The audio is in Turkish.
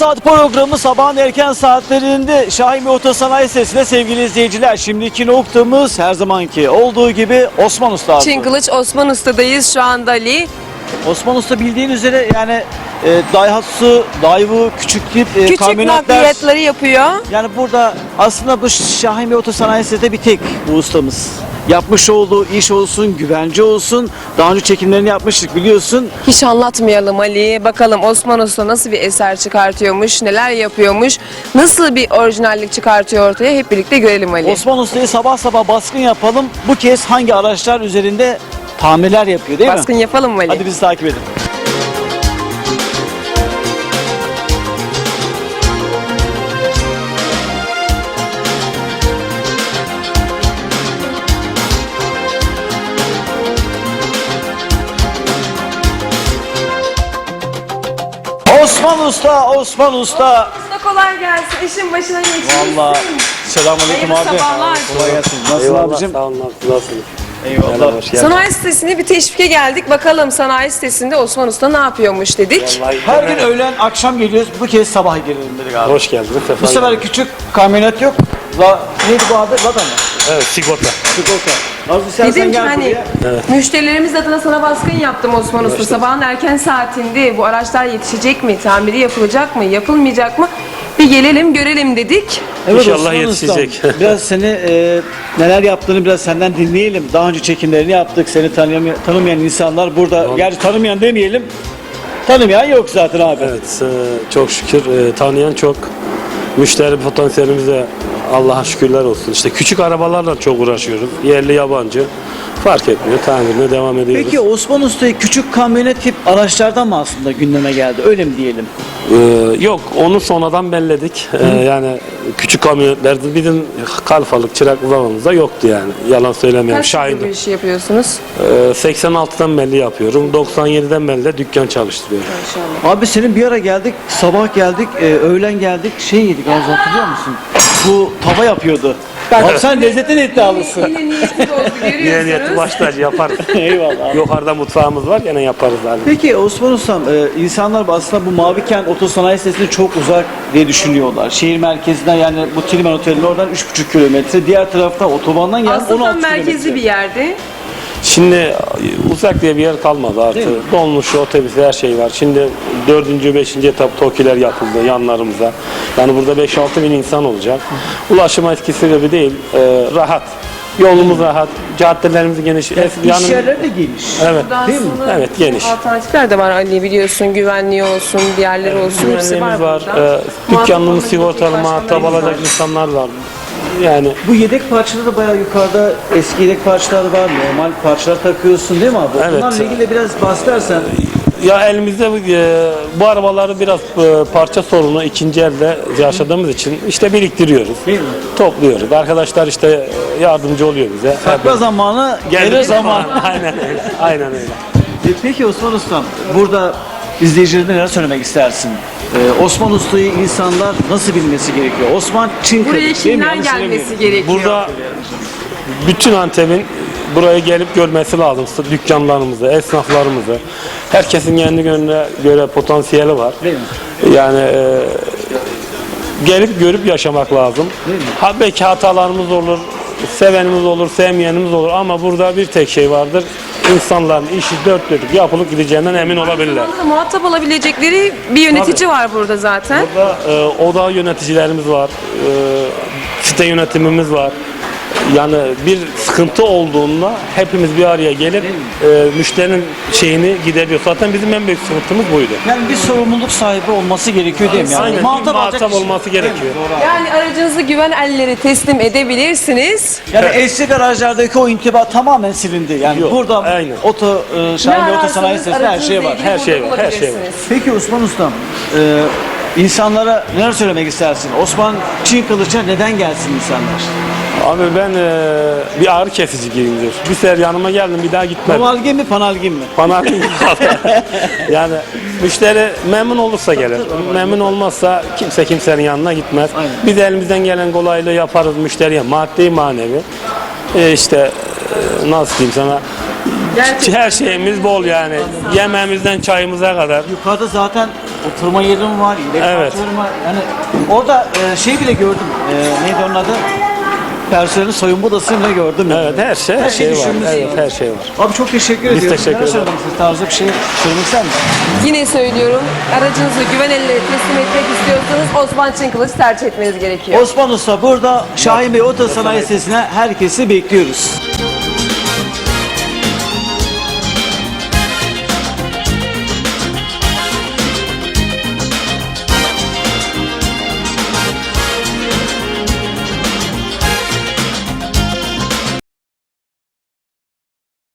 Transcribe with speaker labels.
Speaker 1: Saat programı sabahın erken saatlerinde Şahin Otosanayi Sitesi'nde sevgili izleyiciler. Şimdiki noktamız her zamanki olduğu gibi Osman Usta.
Speaker 2: Çin Kılıç Osman Usta'dayız şu anda Ali.
Speaker 1: Osman Usta bildiğin üzere yani Daihatsu, Daewoo, küçük tip
Speaker 2: Küçük
Speaker 1: kamyonetler.
Speaker 2: nakliyatları yapıyor.
Speaker 1: Yani burada aslında bu Şahin Otosanayi Sitesi'nde bir tek bu ustamız. Yapmış olduğu iş olsun, güvence olsun. Daha önce çekimlerini yapmıştık biliyorsun.
Speaker 2: Hiç anlatmayalım Ali. Bakalım Osman Usta nasıl bir eser çıkartıyormuş, neler yapıyormuş, nasıl bir orijinallik çıkartıyor ortaya hep birlikte görelim Ali.
Speaker 1: Osman Usta'yı sabah sabah baskın yapalım. Bu kez hangi araçlar üzerinde tamirler yapıyor değil
Speaker 2: Baskın
Speaker 1: mi?
Speaker 2: yapalım mı Ali?
Speaker 1: Hadi bizi takip edin. Osman Usta, Osman Usta.
Speaker 2: Usta kolay gelsin. İşin başına geçmişsin.
Speaker 1: Vallahi selamünaleyküm
Speaker 2: Hayırlı
Speaker 1: abi.
Speaker 2: sabahlar.
Speaker 1: Kolay gelsin. Nasılsın
Speaker 3: Eyvallah,
Speaker 1: abicim?
Speaker 3: sağ olun abi, nasılsınız?
Speaker 1: Eyvallah.
Speaker 3: Hoş geldin.
Speaker 2: Sanayi sitesine bir teşvike geldik. Bakalım sanayi sitesinde Osman Usta ne yapıyormuş dedik.
Speaker 3: Vallahi
Speaker 1: Her gün öğlen akşam geliyoruz. Bu kez sabah gelelim dedik abi.
Speaker 3: hoş geldiniz.
Speaker 1: Bu sefer küçük kamyonet yok. Neydi bu adı? Lada mı?
Speaker 3: Evet, sigorta.
Speaker 1: Sigorta. Nasıl istersen
Speaker 2: Dedim ki
Speaker 1: gel
Speaker 2: hani
Speaker 1: buraya.
Speaker 2: müşterilerimiz adına sana baskın yaptım Osman Usta. Sabahın erken saatinde bu araçlar yetişecek mi? Tamiri yapılacak mı? Yapılmayacak mı? Bir gelelim görelim dedik.
Speaker 3: İnşallah
Speaker 1: Osman
Speaker 3: yetişecek.
Speaker 1: Ustam, biraz seni neler yaptığını biraz senden dinleyelim. Daha önce çekimlerini yaptık. Seni tanımayan insanlar burada. Gerçi tanımayan demeyelim. Tanımayan yok zaten abi.
Speaker 3: Evet, çok şükür tanıyan çok. Müşteri potansiyelimize Allah'a şükürler olsun. İşte küçük arabalarla çok uğraşıyoruz. Yerli yabancı fark etmiyor. Tamirine devam ediyoruz.
Speaker 1: Peki Osman Usta'yı küçük kamyonet tip araçlardan mı aslında gündeme geldi? Öyle mi diyelim?
Speaker 3: Yok, onu sonradan belledik. Yani küçük kamyonetlerde bizim kalfalık, çıraklık zamanımızda yoktu yani. Yalan söylemiyorum.
Speaker 2: Kaç yıldır bu
Speaker 3: Şahin'dim.
Speaker 2: işi yapıyorsunuz?
Speaker 3: 86'dan belli yapıyorum. 97'den belli de dükkan çalıştırıyorum.
Speaker 2: İnşallah.
Speaker 1: Abi senin bir ara geldik, sabah geldik, öğlen geldik, şey yedik az hatırlıyor musun? Bu tava yapıyordu. Abi sen lezzetten iddialısın.
Speaker 2: Yine niyetimiz oldu
Speaker 3: Yine niyeti
Speaker 2: görüyorsunuz.
Speaker 3: başlar yaparız.
Speaker 1: Eyvallah abi.
Speaker 3: Yukarıda mutfağımız var, gene yaparız abi.
Speaker 1: Peki Osman Ustam, insanlar aslında bu Mavi Kent Otosanayi Sitesi'ne çok uzak diye düşünüyorlar. Şehir merkezinden yani bu Tilmen Oteli'nin oradan 3,5 kilometre, diğer tarafta otobandan yani 16
Speaker 2: Aslında tam
Speaker 1: kilometre.
Speaker 2: merkezli bir yerde.
Speaker 3: Şimdi uzak diye bir yer kalmadı
Speaker 1: Değil
Speaker 3: artık.
Speaker 1: mi?
Speaker 3: Dolmuş, otobüs, her şey var. Şimdi 4. 5. etap TOKİ'ler yapıldı yanlarımıza. Yani burada 5-6 bin insan olacak. Ulaşım eskisi gibi değil, rahat. Yolumuz rahat, caddelerimiz geniş.
Speaker 1: İş yerleri de geniş.
Speaker 3: Evet.
Speaker 2: Burada
Speaker 1: Değil mi?
Speaker 2: aslında
Speaker 3: Evet, geniş.
Speaker 2: alternatifler de var Ali biliyorsun. Güvenliği olsun, diğerleri olsun. Hepsi var
Speaker 3: Güvenliğimiz var.
Speaker 2: burada.
Speaker 3: Dükkanımız
Speaker 2: Muhatap
Speaker 3: sigortalı,
Speaker 2: olabilecek
Speaker 3: muhatap
Speaker 2: başka
Speaker 3: alacak
Speaker 2: var.
Speaker 3: insanlar var. Yani
Speaker 1: Bu yedek parçaları da bayağı yukarıda eski yedek parçalar var. Normal parçalar takıyorsun değil mi abi?
Speaker 3: Evet.
Speaker 1: Bunlarla ilgili biraz bahsedersen.
Speaker 3: ya elimizde bu arabaları biraz parça sorunu ikinci elde yaşadığımız için işte biriktiriyoruz.
Speaker 1: Değil mi?
Speaker 3: Topluyoruz. Arkadaşlar işte yardımcı oluyor bize.
Speaker 1: Sakla zamanı, gelir zaman.
Speaker 3: Aynen öyle. Aynen öyle.
Speaker 1: Peki Osman Ustam, burada izleyicilerine neler söylemek istersin? Osman Usta'yı insanlar nasıl bilmesi gerekiyor? Osman Çin
Speaker 2: Buraya
Speaker 1: Kılıç, değil mi?
Speaker 2: kimler
Speaker 1: Yanlış
Speaker 2: gelmesi
Speaker 1: söylemiyorum.
Speaker 2: gerekiyor?
Speaker 3: Burada bütün Antep'in buraya gelip görmesi lazım. Dükkanlarımızı, esnaflarımızı. Herkesin kendi gönlüne göre potansiyeli var.
Speaker 1: Değil mi?
Speaker 3: Yani gelip görüp yaşamak lazım.
Speaker 1: Değil mi?
Speaker 3: Belki hatalarımız olur, sevenimiz olur, sevmeyenimiz olur ama burada bir tek şey vardır. İnsanların işi dört dörtlük yapılıp gideceğinden emin olabilirler.
Speaker 2: Aynı zamanda muhatap olabilecekleri bir yönetici var burada zaten.
Speaker 3: Burada oda yöneticilerimiz var, site yönetimimiz var. Yani bir sıkıntı olduğunda hepimiz bir araya gelip müşterinin şeyini gideriyor. Zaten bizim en büyük sıkıntımız buydu.
Speaker 1: Yani bir sorumluluk sahibi olması gerekiyor değil mi? Yani
Speaker 3: Aynen,
Speaker 1: muhatap alacak
Speaker 3: muhatap
Speaker 1: kişi.
Speaker 3: olması
Speaker 1: Değil mi?
Speaker 3: gerekiyor.
Speaker 1: Doğru abi.
Speaker 2: Yani aracınızı güven ellere teslim edebilirsiniz.
Speaker 1: Yani eski garajlardaki o intiba tamamen silindi. Yani
Speaker 3: Yok,
Speaker 1: burada
Speaker 3: aynen.
Speaker 1: Şahin Otosanayi Sitesi'nde her şey var.
Speaker 3: Her şey var, her şey var.
Speaker 1: Peki Osman Ustam, insanlara neler söylemek istersin? Osman Çin Kılıç'a neden gelsin insanlar?
Speaker 3: Abi ben bir ağrı kesici giyimdir. Bir sefer yanıma geldim bir daha gitmem.
Speaker 1: Novalgin mi, panalgin mi?
Speaker 3: Bana yani müşteri memnun olursa gelir. Memnun olmazsa kimse kimsenin yanına gitmez.
Speaker 1: Aynen.
Speaker 3: Biz elimizden gelen kolaylığı yaparız müşteriye. Maddi manevi. İşte nasıl diyeyim sana.
Speaker 2: Gerçekten
Speaker 3: Her şeyimiz bol yani. Yemeğimizden çayımıza kadar.
Speaker 1: Yukarıda zaten oturma yerim var, yedek
Speaker 3: Evet.
Speaker 1: parklarım var. Yani orada şey bile gördüm. Neydi onun adı? Personelin soyunma odasını bile gördüm. Yani.
Speaker 3: Evet, her şey
Speaker 1: var.
Speaker 3: var. Evet, her şey var.
Speaker 1: Abi çok teşekkür
Speaker 3: Biz
Speaker 1: ediyorum.
Speaker 3: teşekkür
Speaker 1: Neler
Speaker 3: ederiz.
Speaker 1: söylemek istiyorsun? Tarzda bir şey söylemek ister misin?
Speaker 2: Yine söylüyorum, aracınızı güven eline teslim etmek istiyorsanız Osman Çınkılıç tercih etmeniz gerekiyor.
Speaker 1: Osman Usta burada Şahin Bey Oto Sanayi Sitesi'ne herkesi bekliyoruz.